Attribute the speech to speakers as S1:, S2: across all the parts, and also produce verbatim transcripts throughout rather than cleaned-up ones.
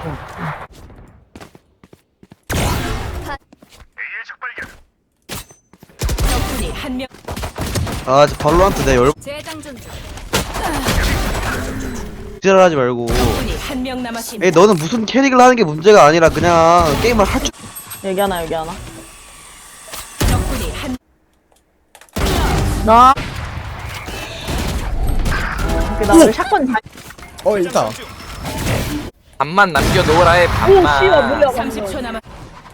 S1: 적군이 한 명.
S2: 아, 저 발로란트 내 열.
S1: 재장전 중.
S2: 지랄하지 말고.
S1: 적군이 한 명 남았습니다.
S2: 에이, 너는 무슨 캐릭을 하는 게 문제가 아니라 그냥 게임을 할 줄.
S3: 여기 하나 여기 하나.
S1: 적군이 한
S3: 나. 오케이 나 오늘 샷건 다.
S4: 어 있다.
S5: 반만 남겨놓으라의
S3: 오
S5: 반만.
S3: 씨발 뭐야
S1: 삼십 초
S3: 방금.
S1: 남았.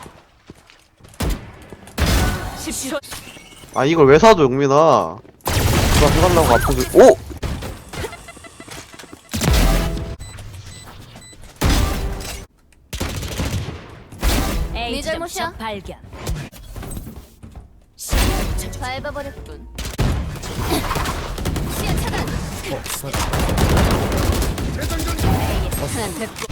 S1: 십 초.
S2: 아, 이걸 왜 사줘, 용민아. 누가 해달라고 앞에서. 오!
S1: 네 잘못이야. 발견. 밟아버렸군. 시야 차단. 하나 됐고.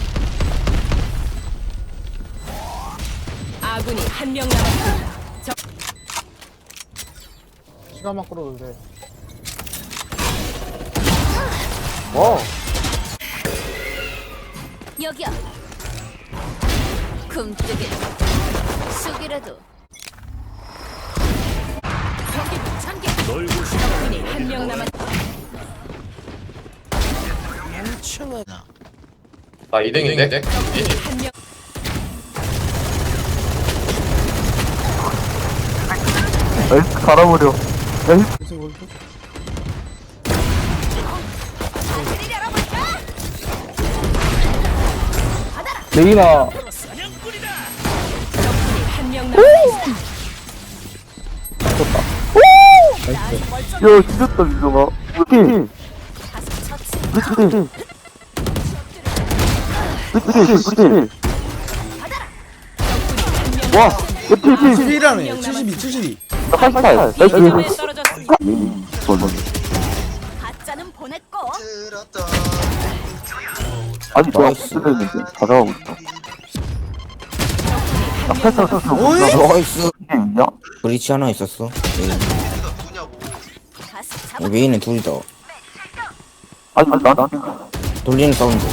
S1: 아군이 한 명 남았습니다. 적
S4: 시간 막 끌어도 돼.
S2: 어.
S1: 여기야. 굼뜨기. 쑥이라도. 경기 참기. 적군이 한 명 남았.
S6: 아 이 등인데?
S1: 적군이 한 명.
S2: 갈아버려. 레이나.
S1: 적군이 한 명 남았습니다.
S2: 야, 죽였다, 민정아. 팀. 팀. 와, 팀, 팀.
S4: 칠십이라네. 칠십이, 칠십이.
S2: 팔십팔. 나이스.
S1: 위험에 떨어졌습니다.
S2: 좋아.
S1: 가짜는 보냈고.
S2: 아니, 뭐야, 쓰레기인데. 다 잡아고 있어. 나 패스, 패스.
S4: 어이?
S7: 나이스.
S2: 이게 있냐?
S7: 브리치 하나 있었어. 메인.
S1: 가스 잡아.
S7: 메인은 둘이다.
S2: 아니, 아니, 나, 나.
S7: 돌리는 사운드.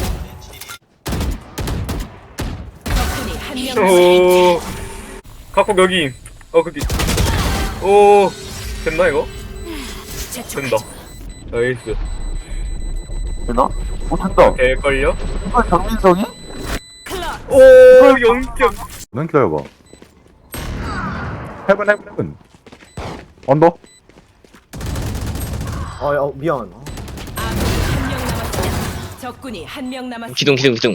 S1: 적군이 한 명 남았습니다.
S8: 오, 각국 여기. 어, 거기. 오, 됐나, 이거? 된다. 나이스.
S2: 되나? 오, 된다.
S8: 될걸요?
S2: 이거 정민성이?
S8: 오, 영 점.
S9: 넌 기다려봐. 헤븐 헤븐 헤븐. 언더?
S4: 어, 어 미안.
S1: 아군이 한 명 남았습니다. 적군이 한 명 남았습니다.
S6: 기둥 기둥 기둥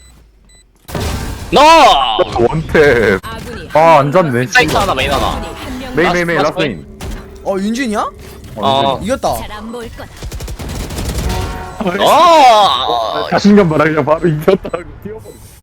S6: 나!
S9: 원탭.
S1: 아군이
S9: 아, 안 잡네.
S6: 사이트 하나 메인 하나
S1: 적군이 한 명.
S9: 메인 메인 메인
S6: 라스트
S9: 라스트 메인.
S4: 어 윤준이야?
S6: 어.
S4: 이겼다.
S1: 잘안 보일 거다.
S6: 아!
S9: 자신감 봐라 그냥 바로 이겼다고 뛰어버려.